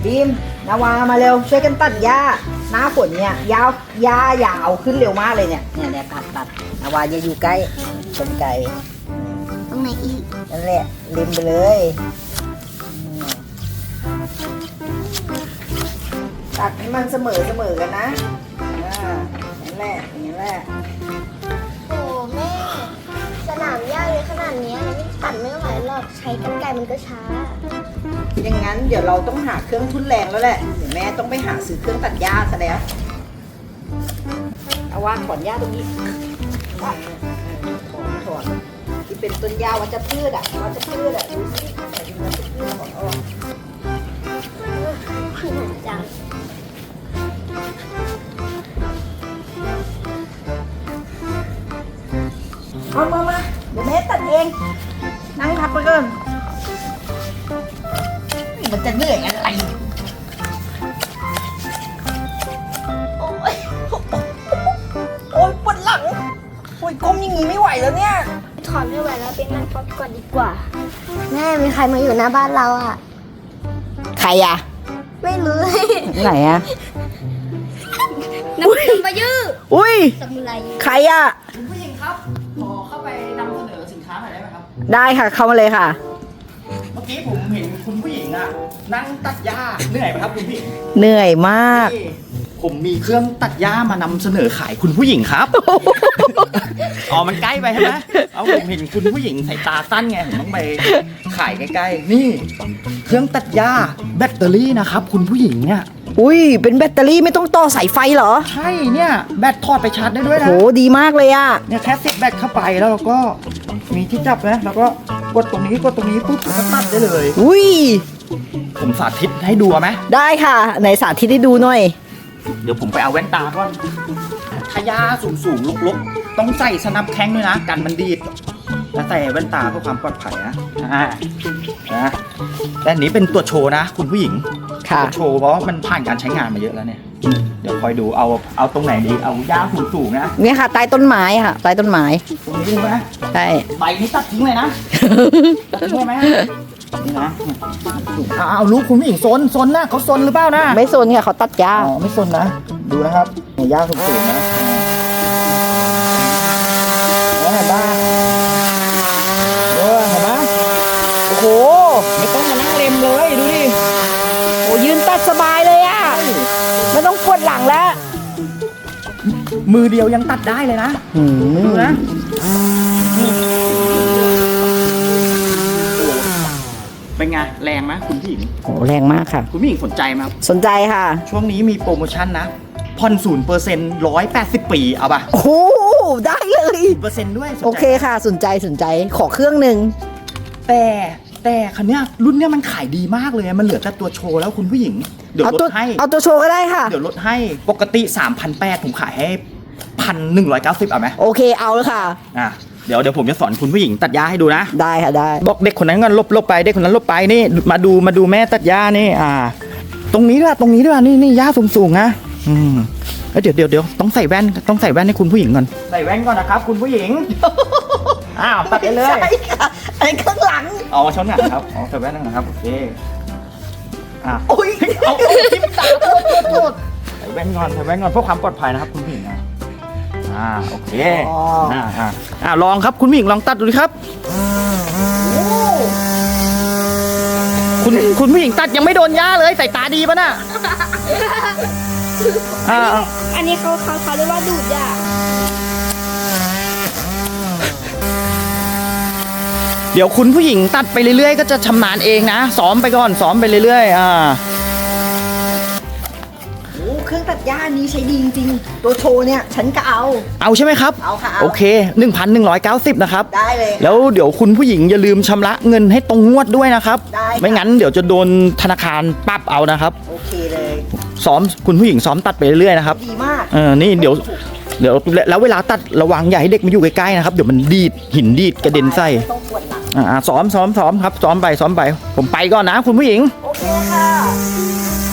บีมนาวามาเร็วช่วยกันตัดหญ้าหน้าฝนเนี่ยหญ้ายาวขึ้นเร็วมากเลยเนี่ยตัดนาวาอย่าอยู่ใกล้ต้นไก่ตรงไหนอีกนั่นแหละริมไปเลยตัดให้มันเสมอกันนะนั่นแหละอย่างนี้แหละโอ้แม่สนามหญ้าเลยขนาดนี้ตัดไม่ไหวหรอกใช้กรรไกรมันก็ช้าอย่างนั้นเดี๋ยวเราต้องหาเครื่องทุ่นแรงแล้วแหละเดี๋ยวแม่ต้องไปหาซื้อเครื่องตัดหญ้าซะแล้วเอาวางถอนหญ้าตรงนี้ถอนที่เป็นต้นหญ้าวัชพืชดูสิแต่ดูวัชพืชของออกคือหนักจังเอามาเดี๋ยวแม่ตัดเองนั่งพักไปก่อนมันจะเหนื่อยอะไรโอ้ยปวดหลังโอ้ยก้มอย่างงี้ไม่ไหวแล้วเนี่ยถอนไม่ไหวแล้วไปนั่งพักก่อนดีกว่าแม่มีใครมาอยู่หน้าบ้านเราอ่ะใครอะไม่รู้ไหนอะนักดำมายื้ออุ้ยสมุไรใครอะคุณผู้หญิงครับขอเข้าไปนำเสนอสินค้าหน่อยได้ไหมครับได้ค่ะเข้ามาเลยค่ะเมื่อกี้ผมเห็นคุณผู้หญิงอะนั่งตัดหญ้าเหนื่อยไหมครับคุณผู้หญิงเหนื่อยมากผมมีเครื่องตัดหญ้ามานำเสนอขายคุณผู้หญิงครับ อ๋อมันใกล้ไปใช่ไหมเอาผมเห็นคุณผู้หญิงสายตาสั้นไงผมต้องไปขายใกล้ๆนี่เครื่องตัดหญ้าแบตเตอรี่นะครับคุณผู้หญิงเนี่ยอุ้ยเป็นแบตเตอรี่ไม่ต้องต่อสายไฟเหรอใช่เนี่ยแบตถอดไปชาร์จได้ด้วยนะโหดีมากเลยอะเนี่ยแค่ซิปแบตเข้าไปแล้วเราก็มีที่จับนะแล้วก็กดตรงนี้ปุ๊บก็ตัดได้เลยอุ้ยผมสาธิตให้ดูไหมได้ค่ะไหนสาธิตให้ดูหน่อยเดี๋ยวผมไปเอาแว่นตาก่อนถ้าหญ้าสูงลกๆต้องใส่สนับแข้งด้วยนะกันมันดีดแล้วใส่แว่นตาเพื่อความปลอดภัยนะและอันนี้เป็นตัวโชว์นะคุณผู้หญิงตัวโชว์เพราะมันผ่านการใช้งานมาเยอะแล้วเนี่ยเดี๋ยวคอยดูเอาตรงไหนดีเอาหญ้าสูงๆนะเนี่ยค่ะใต้ต้นไม้ค่ะใต้ต้นไม้ตรงนี้ใช่ไหมใช่ใบนี้ตัดทิ้งเลยนะตัดทิ้งเลยไหมนี่นะเอาลูกคุณผู้หญิงซนนะเขาซนหรือเปล่านะไม่ซนค่ะเขาตัดหญ้าอ๋อไม่ซนนะดูนะครับหญ้าสูงๆนะบ้าเห็นไหมโอ้โหไม่ต้องมานั่งเล็มเลยดูดิโอ้ยืนตัดสบายเลยอ่ะไม่ต้องปวดหลังแล้วมือเดียวยังตัดได้เลยนะดูนะเป็นไงแรงไหมคุณผู้หญิงโอ้แรงมากค่ะคุณผู้หญิงสนใจไหมสนใจค่ะช่วงนี้มีโปรโมชั่นนะผ่อน0% 180 ปีเอาป่ะโอ้ได้เลย 0%ด้วยโอเคค่ะสนใจขอเครื่องหนึ่งแต่คันเนี้ยรุ่นเนี้ยมันขายดีมากเลยมันเหลือแต่ตัวโชว์แล้วคุณผู้หญิงเดี๋ยวลดให้เอาตัวโชว์ก็ได้ค่ะเดี๋ยวลดให้ปกติ 3,800 ผมขายให้ 1,190เอาไหมโอเคเอาเลยค่ะเดี๋ยวผมจะสอนคุณผู้หญิงตัดหญ้าให้ดูนะได้ค่ะได้บอกเด็กคนนั้นก็ลบไปเด็กคนนั้นลบไปนี่มาดูแม่ตัดหญ้านี่ตรงนี้ด้วยนี่หญ้าสูงๆนะเดี๋ยวต้องใส่แว่นให้คุณผู้หญิงก่อนใส่แว่นก่อนนะครับคุณผู้หญิงตัดไปเลยใช่ค่ะไอ้ข้างหลังชนหนังครับใส่แว่นนะครับโอเคโอ้ยเอาทิ่มตาโทษใส่แว่นก่อนเพื่อความปลอดภัยนะครับคุณผู้หญิงนะโอเคลองครับคุณผู้หญิงลองตัดดูดิครับคุณผู้หญิงตัดยังไม่โดนหญ้าเลยใส่ตาดีป่ะน่ะอันนี้เขาเรียกว่าดูดหญ้าเดี๋ยวคุณผู้หญิงตัดไปเรื่อยๆก็จะชำนาญเองนะซ้อมไปก่อนซ้อมไปเรื่อยๆเครื่องตัดหญ้านี้ใช้ดีจริงๆตัวโชว์เนี่ยฉันก็เอาใช่ไหมครับเอาค่ะโอเค 1,190 นะครับได้เลยแล้วเดี๋ยวคุณผู้หญิงอย่าลืมชำระเงินให้ตรงงวดด้วยนะครับไม่งั้นเดี๋ยวจะโดนธนาคารปรับเอานะครับโอเคเลยซ้อมคุณผู้หญิงซ้อมตัดไปเรื่อยๆนะครับดีมากนี่เดี๋ยวแล้วเวลาตัดระวังอย่าให้เด็กมาอยู่ใกล้ๆนะครับเดี๋ยวมันดีดหินดีดกระเด็นใส่ซ้อมครับซ้อมไปผมไปก่อนนะคุณผู้หญิงโอเคค่ะ